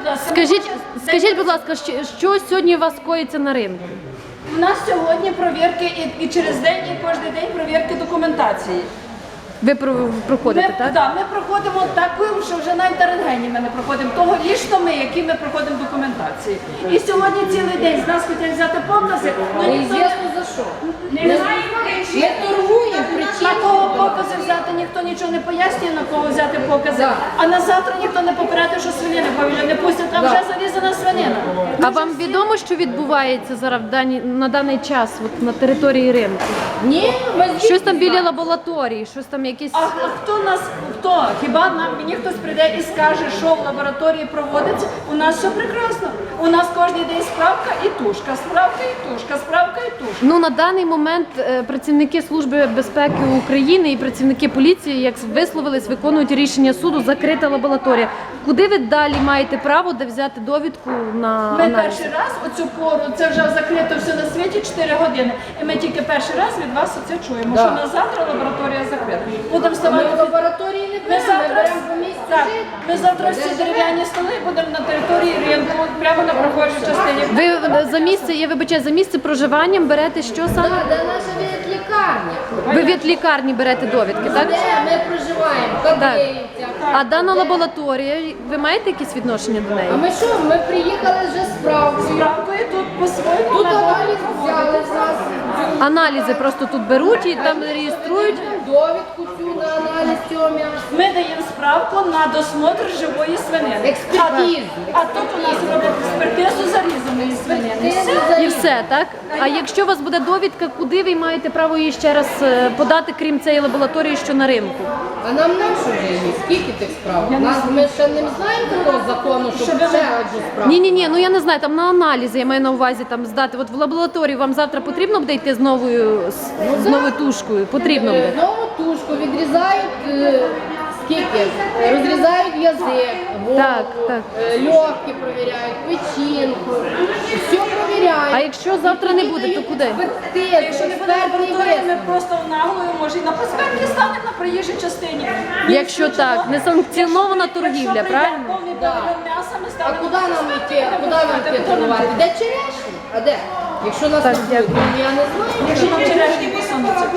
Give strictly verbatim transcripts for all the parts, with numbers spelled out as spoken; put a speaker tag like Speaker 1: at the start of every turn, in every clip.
Speaker 1: ласка.
Speaker 2: Скажіть, скажіть, будь ласка, що, що сьогодні у вас коїться на ринку?
Speaker 1: У нас сьогодні провірки і, і через день, і кожен день провірки документації.
Speaker 2: Ви про- проходите,
Speaker 1: Ми,
Speaker 2: так?
Speaker 1: да, ми проходимо таку, що вже навіть на рентгені ми не проходимо. Того лічно ми, які ми проходимо документації. І сьогодні цілий день з нас хотять взяти покази, але ніхто не,
Speaker 3: за що.
Speaker 1: не знає,
Speaker 3: Ми торгуємо,
Speaker 1: на
Speaker 3: причина.
Speaker 1: кого покази взяти, ніхто нічого не пояснює, на кого взяти покази.
Speaker 3: Да.
Speaker 1: А на завтра ніхто не попередив, що свинини повіля не пустять, там
Speaker 3: Да.
Speaker 1: вже зарізана свинина.
Speaker 2: А вам відомо, що відбувається зараз в дані, на даний час от, на території ринку?
Speaker 3: Ні, ми звідки
Speaker 2: Щось там біля
Speaker 3: знаємо?
Speaker 2: лабораторії, щось там якісь...
Speaker 1: А, а хто нас, хто? Хіба нам мені хтось прийде і скаже, що в лабораторії проводиться? У нас все прекрасно. У нас кожен день справка і тушка, справка і тушка, справка і тушка.
Speaker 2: Ну, на даний момент е, працівники Служби безпеки України і працівники поліції, як висловились, виконують рішення суду, закрита лабораторія. Куди ви далі маєте право де взяти довідку на
Speaker 1: Ми
Speaker 2: аналіз?
Speaker 1: перший раз оцю пору, це вже закрито все на світі чотири години. І ми тільки перший раз від вас оце чуємо,
Speaker 3: Да.
Speaker 1: що на завтра лабораторія закрита. Будемо
Speaker 3: Ми
Speaker 1: ставати.
Speaker 3: в лабораторії не
Speaker 1: Ми
Speaker 3: беремо, ми
Speaker 1: завтра,
Speaker 3: беремо по місцю
Speaker 1: так,
Speaker 3: жити.
Speaker 1: ми завтра всі дерев'яні столи будемо на території ринку, прямо на прохожій частині.
Speaker 2: Ви за місце, я вибачаю, за місце проживання берете що саме?
Speaker 3: Так, де наша лікарня?
Speaker 2: Ви від лікарні берете довідки, так?
Speaker 3: Де ми проживаємо? Кадиївця.
Speaker 2: А дана лабораторія, ви маєте якесь відношення до неї?
Speaker 3: А ми що? Ми приїхали вже з справкою.
Speaker 1: Справкою тут по-своєму.
Speaker 3: Тут
Speaker 1: надо.
Speaker 3: аналіз взяли з нас.
Speaker 2: Аналізи просто тут беруть і там реєструють.
Speaker 3: Довідку цю на аналіз цього м'яса.
Speaker 1: Ми даємо справку на досмотр живої свинини.
Speaker 3: Експертизу.
Speaker 1: А, а тут у нас роблять експертизу зарізаної свинини. Все.
Speaker 2: І все, так? А якщо у вас буде довідка, куди ви маєте право її ще раз е, подати, крім цієї лабораторії, що на ринку?
Speaker 3: А нам нашу вже є? Скільки тих справ? Нас, ми ще не знаємо такого закону, щоб ще одну справу.
Speaker 2: Ні, ні, ні, ну я не знаю, там на аналізи я маю на увазі там здати. От в лабораторію вам завтра потрібно буде йти з новою з, з новою тушкою? Потрібно буде.
Speaker 3: Е, Нову тушку відрізають, е, скільки? Розрізають язик, голову,
Speaker 2: Так, так.
Speaker 3: е, легкі провіряють, печінку, все провіряють.
Speaker 2: А якщо завтра не буде, то куди?
Speaker 1: Якщо не буде лабораторії, ми просто наглою, може, і на проспекті станемо на проїжджій частині.
Speaker 2: Якщо так, несанкціонована торгівля, правильно?
Speaker 1: Повний
Speaker 3: Да.
Speaker 1: павільйон м'яса ми
Speaker 3: А
Speaker 1: ставимо.
Speaker 3: куди нам йти? А куди нам йти торгувати? Де черешні? А де? Якщо нас
Speaker 2: Так,
Speaker 3: не буде,
Speaker 2: дякую.
Speaker 3: ну, я не знаю.
Speaker 1: Якщо нам черешні посунуться.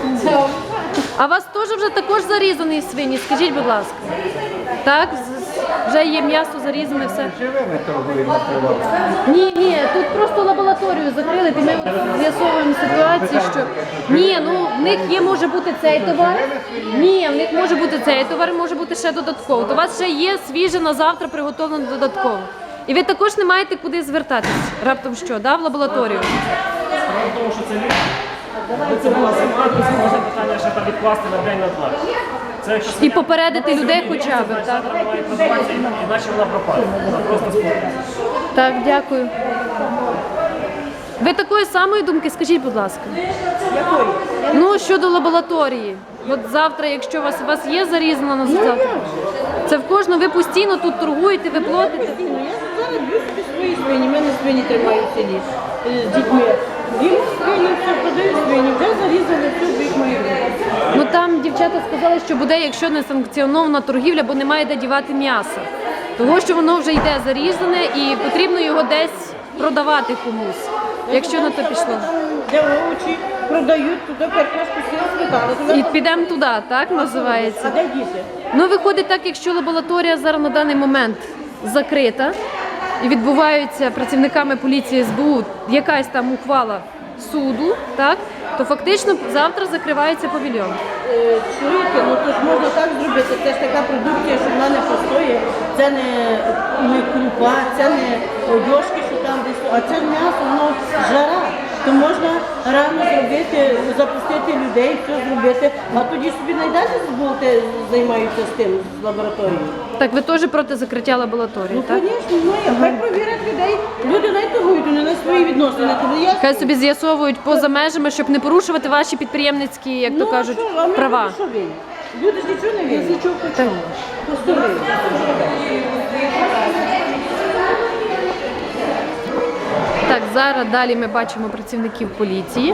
Speaker 2: А у вас теж вже також зарізані свині, скажіть, будь ласка. Так, з- з- вже є м'ясо зарізане, все.
Speaker 4: Живими торгуємо приватно.
Speaker 2: Ні, ні, тут просто лабораторію закрили, і ми от з'ясовуємо ситуацію, що ні, ну в них є може бути цей товар. Ні, в них може бути цей товар, може бути ще додатково. То у вас ще є свіже на завтра приготовлено додатково. І ви також не маєте куди звертатись. Раптом що, да, в лабораторію?
Speaker 5: Справа в тому, що це літ. Коли це була зима, то можна питання ще там відкласти на день на два. Це якщо
Speaker 2: І попередити людей хоча б, так?
Speaker 5: завтра має продаватися, іначе вона пропаде. Вона просто спортиться.
Speaker 2: Так, дякую. Ви такої самої думки, скажіть, будь ласка. Ну, щодо лабораторії. От завтра, якщо у вас, у вас є зарізана на завтра, це в кожного, ви постійно тут торгуєте, ви платите.
Speaker 6: Я зараз б'ю собі свої свині, в мене свині тримають в селі е, з дітьми. Їм свині, все продаю свині, вже зарізали, все б'ють мої руки.
Speaker 2: Ну там дівчата сказали, що буде, якщо не санкціонована торгівля, бо немає де дівати м'ясо. Того, що воно вже йде зарізане і потрібно його десь продавати комусь, якщо на то пішло.
Speaker 6: Там, де овочі продають, туди картошку сіла сметану. туди-
Speaker 2: І підемо туди, так
Speaker 6: А
Speaker 2: називається?
Speaker 6: де діти?
Speaker 2: Ну, виходить так, якщо лабораторія зараз на даний момент закрита і відбуваються працівниками поліції ес бе у якась там ухвала суду, так, то фактично завтра закривається павільйон.
Speaker 6: Е, Чуєте, ну то ж можна так зробити, це ж така продукція, що вона не постоє, це не, не крупа, це не одяжки, що там десь, а це м'ясо, воно жара. То можна рано зробити, запустити людей, все зробити, а тоді собі найдете будете займаються з тим, з лабораторією.
Speaker 2: Так, ви теж проти закриття лабораторії,
Speaker 6: Ну,
Speaker 2: так?
Speaker 6: звісно, ну, я- хай провірять людей, люди не торгують, вони на свої відносини. Тобто я
Speaker 2: Хай собі з'ясовують поза межами, щоб не порушувати ваші підприємницькі, як то
Speaker 6: Ну,
Speaker 2: кажуть,
Speaker 6: а що, а ми
Speaker 2: права.
Speaker 6: люди що винні? Люди ж нічого не винні. Нічого почому. Постоли.
Speaker 2: Так, зараз далі ми бачимо працівників поліції.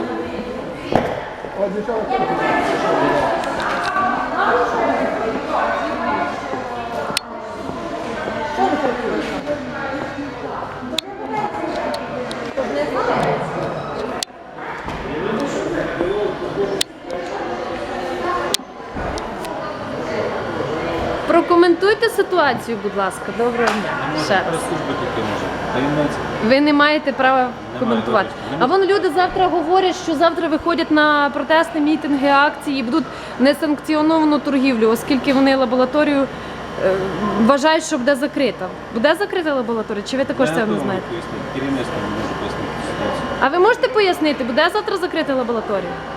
Speaker 2: Прокоментуйте ситуацію, будь ласка. Доброго дня. Ще раз.
Speaker 7: Прес-служби тільки може. Таємниця.
Speaker 2: Ви не маєте права коментувати. А вон люди завтра говорять, що завтра виходять на протести, мітинги, акції і будуть несанкціоновану торгівлю, оскільки вони лабораторію е, вважають, що буде закрита. Буде закрита лабораторія? Чи ви також це не знаєте?
Speaker 7: Керівництво не може пояснити ситуацію.
Speaker 2: А ви можете пояснити, буде завтра закрита лабораторія?